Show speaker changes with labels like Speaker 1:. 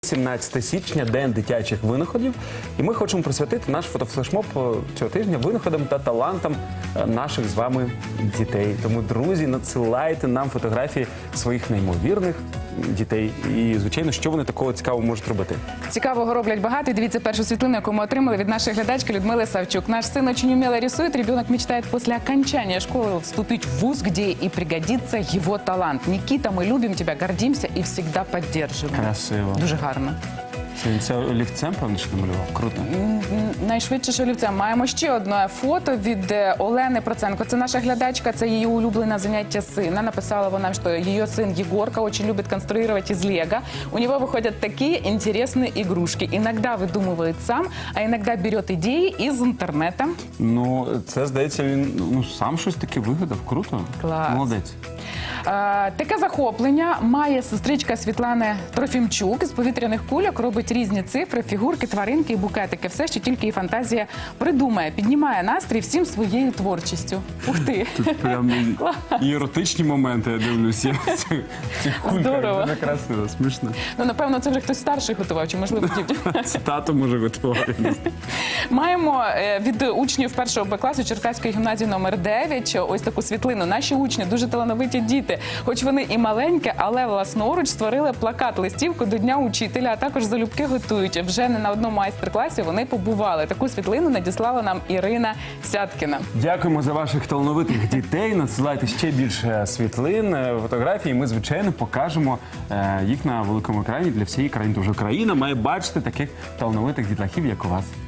Speaker 1: 17 січня – День дитячих винаходів, і ми хочемо присвятити наш фотофлешмоб цього тижня винаходам та талантам наших з вами дітей. Тому, друзі, надсилайте нам фотографії своїх неймовірних дітей і, звичайно, що вони такого цікавого можуть робити.
Speaker 2: Цікавого роблять багато. І дивіться першу світлину, яку ми отримали від нашої глядачки Людмили Савчук. Наш сын очень умело рисует. Ребенок мечтает после окончания школы вступить в вуз, где и пригодится его талант. Никита, мы любим тебя, гордимся и всегда поддерживаем.
Speaker 1: Красиво.
Speaker 2: Дуже гарно.
Speaker 1: Це олівцем, певно, що намалював? Круто.
Speaker 2: Найшвидше олівцем. Маємо ще одне фото від Олени Проценко. Це наша глядачка, це її улюблене заняття сина. Написала вона, що її сын Егорка очень любит конструировать из лего. У него выходят такие интересные игрушки. Иногда выдумывает сам, а иногда берет идеи из интернета.
Speaker 1: Ну, це, здається, він сам щось таке вигадав. Круто.
Speaker 2: Клас.
Speaker 1: Молодець.
Speaker 2: Таке захоплення має сестричка Світлани Трофімчук. З повітряних кульок робить різні цифри, фігурки, тваринки і букетики. Все, що тільки її фантазія придумає. Піднімає настрій всім своєю творчістю. Ух ти!
Speaker 1: Тут прям і еротичні моменти, я дивлюся.
Speaker 2: Здорово.
Speaker 1: Дуже красиво, смішно.
Speaker 2: Ну, напевно, це вже хтось старший готував, чи, можливо, дівчина.
Speaker 1: Це тато може готувати.
Speaker 2: Маємо від учнів першого Б класу Черкаської гімназії номер 9 ось таку світлину. Наші учні дуже талановиті діти. Хоч вони і маленькі, але власноруч створили плакат-листівку до Дня учителя, а також залюбки готують. Вже не на одному майстер-класі вони побували. Таку світлину надіслала нам Ірина Сяткіна.
Speaker 1: Дякуємо за ваших талановитих дітей. Надсилайте ще більше світлин, фотографій. Ми, звичайно, покажемо їх на великому екрані для всієї країни. Тож Україна має бачити таких талановитих дітлахів, як у вас.